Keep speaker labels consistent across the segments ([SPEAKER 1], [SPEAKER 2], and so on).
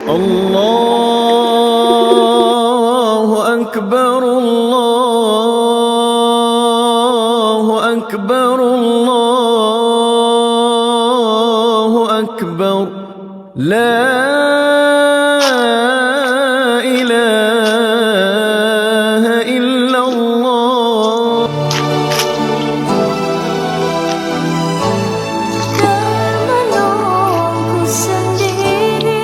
[SPEAKER 1] الله أكبر الله أكبر الله أكبر لا إله إلا الله.
[SPEAKER 2] Termenungku sendiri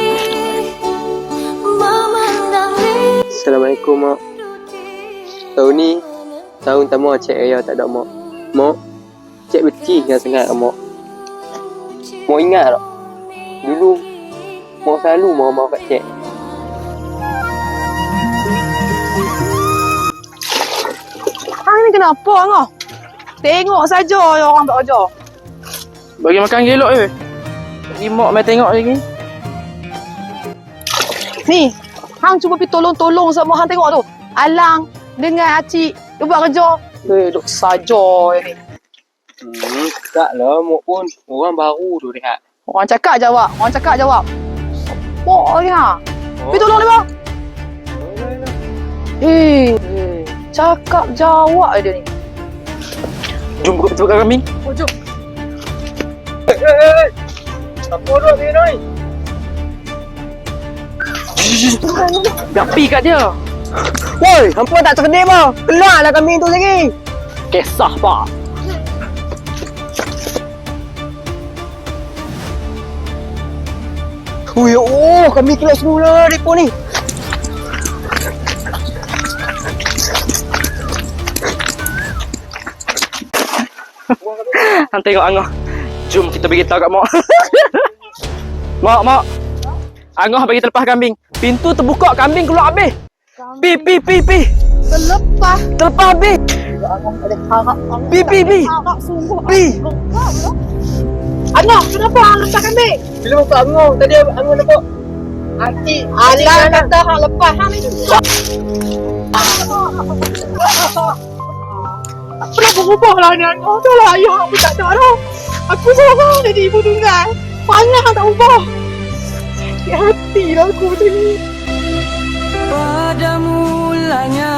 [SPEAKER 2] memandang
[SPEAKER 3] Assalamualaikum, Mak. Tahun ni tahun pertama Cik Raya tak ada, Mak. Mak, Cik benci sangat Mak. Mak ingat tak? Dulu Mak selalu marah-marah kat Cik.
[SPEAKER 4] Hang ni kenapa ngah? Tengok saja orang tak ajar.
[SPEAKER 5] Bagi makan gelok je. Bagi mak main tengok lagi.
[SPEAKER 4] Ni, hang cuba pergi tolong-tolong sama hang tengok tu. Alang dengan Acik dia buat kerja. Duk saja ni.
[SPEAKER 3] Taklah, Mak pun orang baru tu rehat.
[SPEAKER 4] Orang cakap jawab, orang cakap jawab. Apa ni ha? Pergi tolong dia bang. Cakap jawab dia ni.
[SPEAKER 5] Jom buka betul kambing.
[SPEAKER 4] Oh, jom.
[SPEAKER 3] Apa dah ni ni?
[SPEAKER 5] Gapi kat dia.
[SPEAKER 3] Woi, hampa tak cerdik bang. Keluarlah kambing tu lagi.
[SPEAKER 5] Kisah pak.
[SPEAKER 3] Oh, kami keluar semula depo ni.
[SPEAKER 5] Hang tengok Angah. Jom kita bagi tahu kat mak. Mak. Angah bagi terlepas kambing. Pintu terbuka, kambing keluar habis. Pi.
[SPEAKER 4] Terlepas.
[SPEAKER 5] Terlepas habis. Pi.
[SPEAKER 4] Harap sungguh.
[SPEAKER 5] Pi.
[SPEAKER 4] Angah, kenapa hang lepas kambing?
[SPEAKER 3] Bila buka angong, tadi angong nampak.
[SPEAKER 4] Acik Alang kata hang lepas. Hang ni kenapa berubah lah ni Angah? Dah lah ayah hang pun tak ada dah. Aku seorang jadi ibu tunggal. Mana hang tak ubah? Sakit hati lah aku macam ni.
[SPEAKER 1] Pada mulanya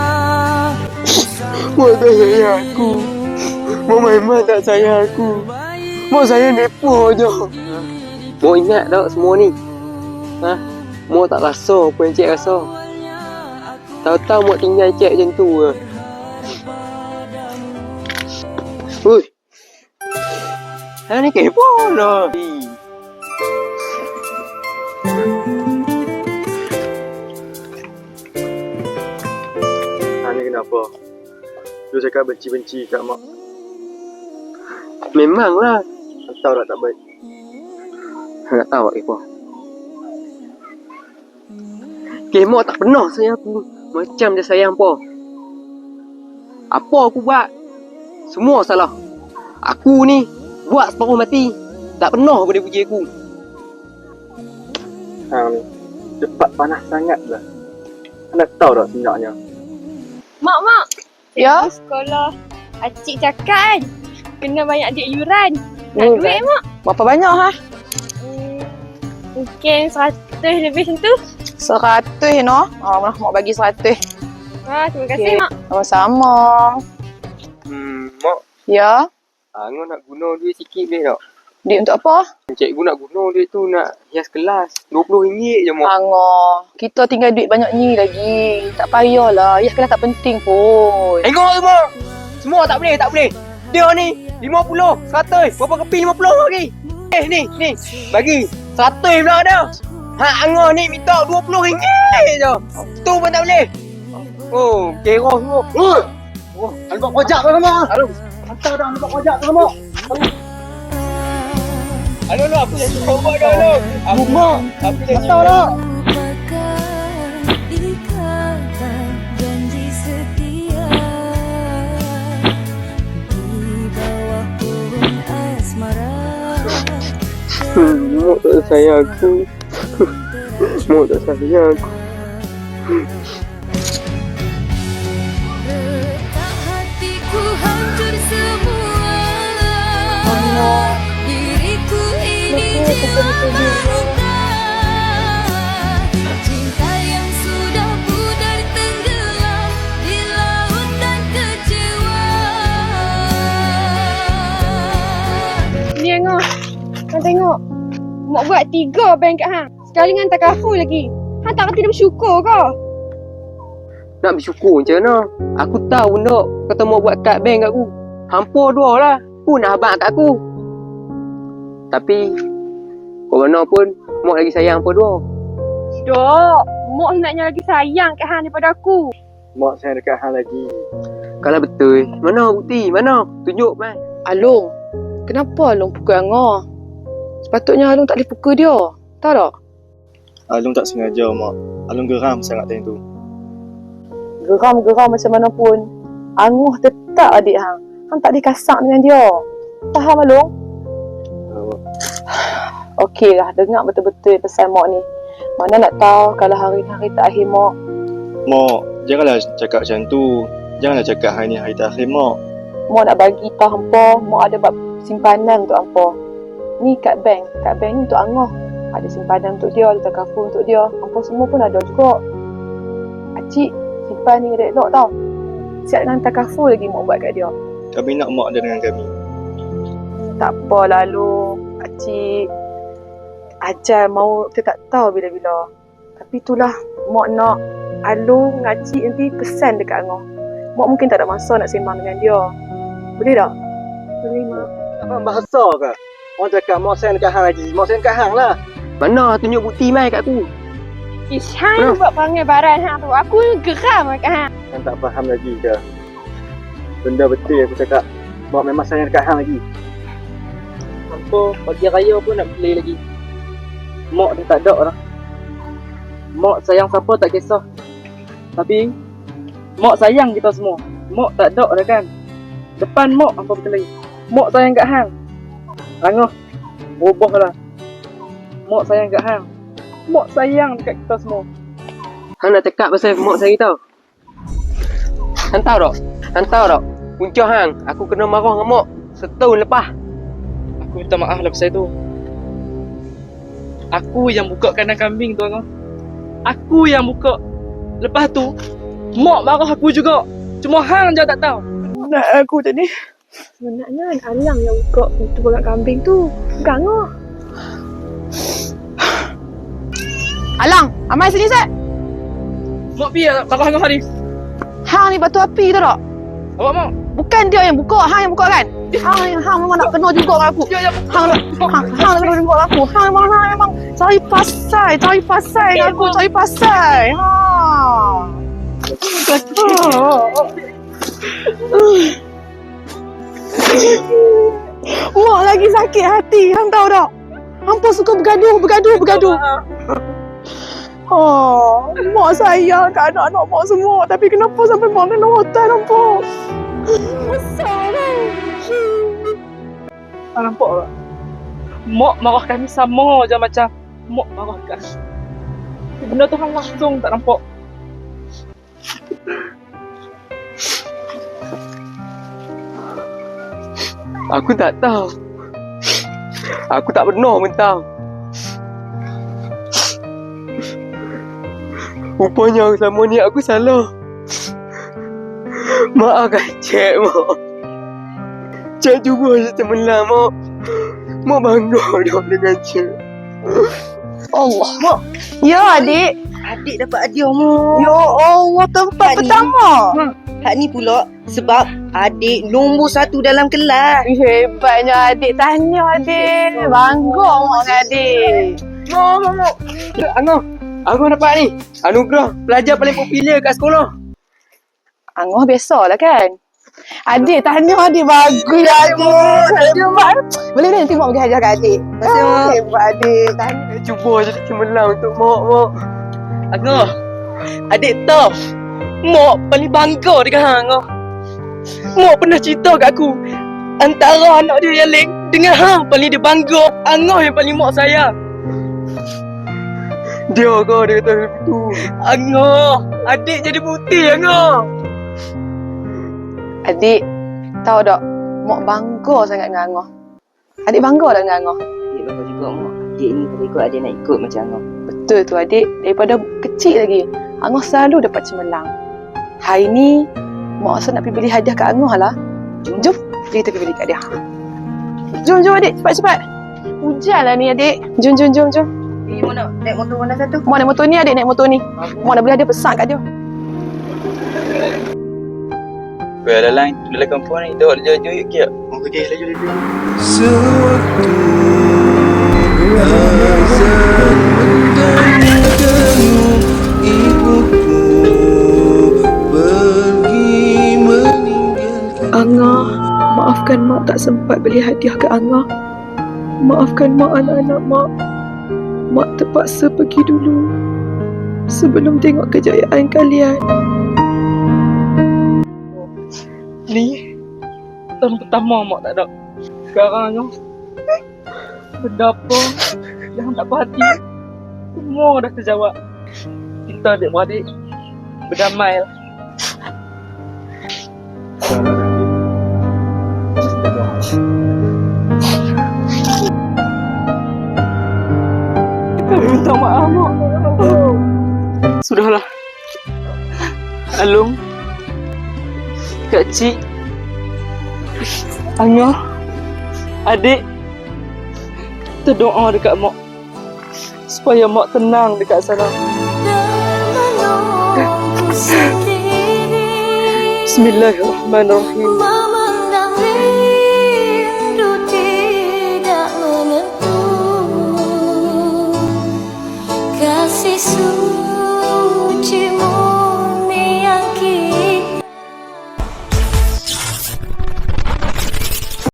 [SPEAKER 3] Mak tak sayang aku. Mak memang tak sayang aku. Mak sayang depo je. Mak ingat tak semua ni? Ha? Mak tak rasa apa yang Cik rasa. Tahu-tahu Mak tinggal Cik macam tu ke. Hui. Ha ni kepo lah. Ha ni kenapa? Dia cakap benci-benci kat Mak. Memanglah. Tahu tak baik. Tak tahu kepo. Mak tak pernah sayang aku macam dia sayang apa. Apa aku buat? Semua salah. Aku ni buat separuh mati. Tak pernah pun dia puji aku. Hang ni cepat panas sangat lah. Nak tahu tak sebenarnya?
[SPEAKER 6] Mak,
[SPEAKER 4] Ya?
[SPEAKER 6] sekolah Acik cakap kan kena banyak duit yuran. Nak duit mak?
[SPEAKER 4] Berapa banyak ha?
[SPEAKER 6] Mungkin 100 lebih macam tu.
[SPEAKER 4] 100 no? Mak bagi 100.
[SPEAKER 6] Terima kasih mak.
[SPEAKER 4] Sama-sama.
[SPEAKER 3] Mak,
[SPEAKER 4] Ya?
[SPEAKER 3] Angah nak guna duit sikit boleh tak?
[SPEAKER 4] Duit untuk apa?
[SPEAKER 3] Cikgu nak guna duit tu nak hias kelas. RM20 je, Mak.
[SPEAKER 4] Angah, kita tinggal duit banyak ni lagi. Tak payahlah. Ya, kelas tak penting pun.
[SPEAKER 3] Tengok semua. Semua tak boleh. Dia ni 50, 100. Berapa kepi 50 lagi? Ni. Bagi 100 pula dah. Angah ni minta RM20 je. Tu pun tak boleh. Oh, kira semua. Oh, nampak pojak tu semua. Aduh, hantar dah nampak pojak tu semua. Aduh, aku dah cuba buat dah. Aku dah hantar dah.
[SPEAKER 2] ikatan janji setia di bawah pohon asmara.
[SPEAKER 3] Mak tak sayang aku. Mak tak sayang aku.
[SPEAKER 2] Retak hatiku hancur semua. Diriku ini jiwa meluka.
[SPEAKER 6] Mak buat 3 bank kat hang. Sekali dengan takaful lagi. Hang tak reti dia bersyukur ke?
[SPEAKER 3] Nak bersyukur macam mana? Aku tahu nak kata mau buat kad bank kat aku. Hampir 2 lah. Pun nak abang kat aku. Tapi kau mana pun mak lagi sayang hampa 2.
[SPEAKER 6] Dok, mak hendaknya lagi sayang kat hang daripada aku.
[SPEAKER 7] Mak sayang dekat hang lagi.
[SPEAKER 3] Kalau betul, mana bukti? Mana? Tunjuk mai.
[SPEAKER 4] Alung, kenapa Alung pukul Angah? Sepatutnya Alung tak boleh pukul dia. Tahu tak?
[SPEAKER 7] Alung tak sengaja, Mak. Alung geram sangat time tu.
[SPEAKER 4] Geram-geram macam mana pun, Angah tetap adik hang. Hang tak boleh kasar dengan dia. Faham Alung? Okey lah, dengar betul-betul pesan mak ni. Mana nak tahu kalau hari-hari terakhir mak.
[SPEAKER 7] Mak, janganlah cakap macam tu. Janganlah cakap hari ni hari terakhir, Mak.
[SPEAKER 4] Mak nak bagi tahu hampa, mak ada buat simpanan untuk hampa. Ni kad bank ni untuk Angah. Ada simpanan untuk dia, ada takaful untuk dia. Hampa semua pun ada juga. Acik, simpan ni elok tau. Siap dengan takaful lagi mak buat kat dia.
[SPEAKER 7] Kami nak Mak ada dengan kami.
[SPEAKER 4] Tak apa lalu, Acik. Ajar mau kita tak tahu bila-bila. Tapi itulah, mak nak Alung dengan Acik nanti pesan dekat Angah. Mak mungkin tak ada masa nak sembang dengan dia. Boleh tak? Boleh, Mak.
[SPEAKER 7] Apa bahasa ke? Orang cakap Mak sayang dekat hang lagi. Mak sayang dekat hang lah.
[SPEAKER 3] Mana tunjuk bukti mai kat aku.
[SPEAKER 6] Ish, hang buat perangai baran hang tu. Aku geram kat hang.
[SPEAKER 7] Hang tak faham lagi ke? Benda betul aku cakap. Mak memang sayang dekat hang lagi.
[SPEAKER 5] Hampa pagi raya pun nak beli lagi. Mak dah tak ada dah. Mak sayang siapa tak kisah. Tapi mak sayang kita semua. Mak tak ada dah kan. Depan mak hampa berkelahi. Mak sayang kat hang. Angah, berubahlah. Mak sayang kat hang. Mak sayang dekat kita semua.
[SPEAKER 3] Hang nak cakap pasal mak saya tau. Hang tahu tak? Hang tahu tak? Punca hang, aku kena marah dengan mak setahun lepas.
[SPEAKER 5] Aku minta maaf lah pasal tu. Aku yang buka kandang kambing tu Angah. Aku yang buka. Lepas tu, mak marah aku juga. Cuma hang je tak tahu.
[SPEAKER 4] Nak aku tadi. Sebenarnya Alang yang buka pintu bagang kambing tu. Bukan Angah. Alang, Amai sini Zat.
[SPEAKER 5] Mak pergi marah Angah hari.
[SPEAKER 4] Hang ni batu api tu tak?
[SPEAKER 5] Awak mak?
[SPEAKER 4] Bukan dia yang buka, hang yang buka kan? Hang memang nak kena juga dengan aku. Hang nak kena juga dengan aku. Hang memang cari pasal dengan aku, cari pasal. Mak lagi sakit hati, hang tahu tak? Hampa suka bergaduh. Mak sayang kat anak-anak mak semua. Tapi kenapa sampai mak kena hotel hampa? Masalah.
[SPEAKER 5] Hang nampak tak? Mak marah kami sama je macam mak marah kan. Benda tu hang langsung tak nampak.
[SPEAKER 3] Aku tak tahu. Aku tak pernah pun tahu. Rupanya selama ni aku salah. Maafkan Cik, Mak. Cik cuba je cemerlang, Mak. Mak bangga dah dengan Cik.
[SPEAKER 4] Allah. Mak. Ya, adik.
[SPEAKER 8] Adik dapat hadiah, Mak.
[SPEAKER 4] Ya Allah, tempat pertama.
[SPEAKER 8] Hak ni pula sebab adik nombor 1 dalam kelas.
[SPEAKER 4] Hebatnya adik. Tanya adik. Bangga mak dengan adik.
[SPEAKER 3] Mak. Angah dapat ni. Anugerah pelajar paling popular kat sekolah.
[SPEAKER 4] Angah biasalah kan. Adik tanya adik bagus adik. Boleh nanti mak bagi hadiah kat adik.
[SPEAKER 8] Masih, Mak.
[SPEAKER 4] Hebat adik. Tanya.
[SPEAKER 3] Cuba je cemerlang untuk Mak.
[SPEAKER 5] Angah, adik tahu. Mak paling bangga dengan hang Angah. Mak pernah cerita kat aku. Antara anak dia yang lain dengan hang paling dia bangga. Angah yang paling mak sayang.
[SPEAKER 3] Dia kata begitu.
[SPEAKER 5] Angah, adik jadi putih Angah.
[SPEAKER 4] Adik, tahu tak? Mak bangga sangat dengan Angah. Adik bangga lah dengan Angah.
[SPEAKER 8] Adik bangga juga, Mak. Adik ni kalau ikut adik nak ikut macam Angah.
[SPEAKER 4] Betul tu adik. Daripada kecil lagi, Angah selalu dapat cemerlang. Hari ni, mak rasa nak pergi beli hadiah kat Angah lah. Jom, kita pergi beli kat dia. Jom adik, cepat-cepat. Ganjal lah ni adik. Jom.
[SPEAKER 8] Mau nak naik motor mana satu?
[SPEAKER 4] Mau naik motor ni adik, naik motor ni. Mau nak boleh ada pesan kat dia.
[SPEAKER 5] Well, lain dalam kampung ni, dah jauh-jauh yuk kira.
[SPEAKER 3] Mau pergi laju.
[SPEAKER 1] Sewaktu azan mendamkanmu, ibuku pergi meninggalkan.
[SPEAKER 4] Anga, maafkan mak tak sempat beli hadiah ke Anga. Maafkan mak anak-anak mak. Mak terpaksa pergi dulu sebelum tengok kejayaan kalian.
[SPEAKER 5] Ni tahun pertama mak tak ada. Sekarang ni berdapa yang tak berhati semua dah terjawab. Kita adik-beradik berdamai lah. Kami minta maaf mak. Sudahlah Alung, Kak Cik, Angah, adik, kita doa dekat mak supaya mak tenang dekat sana.
[SPEAKER 2] Dan menunggu sendiri
[SPEAKER 5] Bismillahirrahmanirrahim.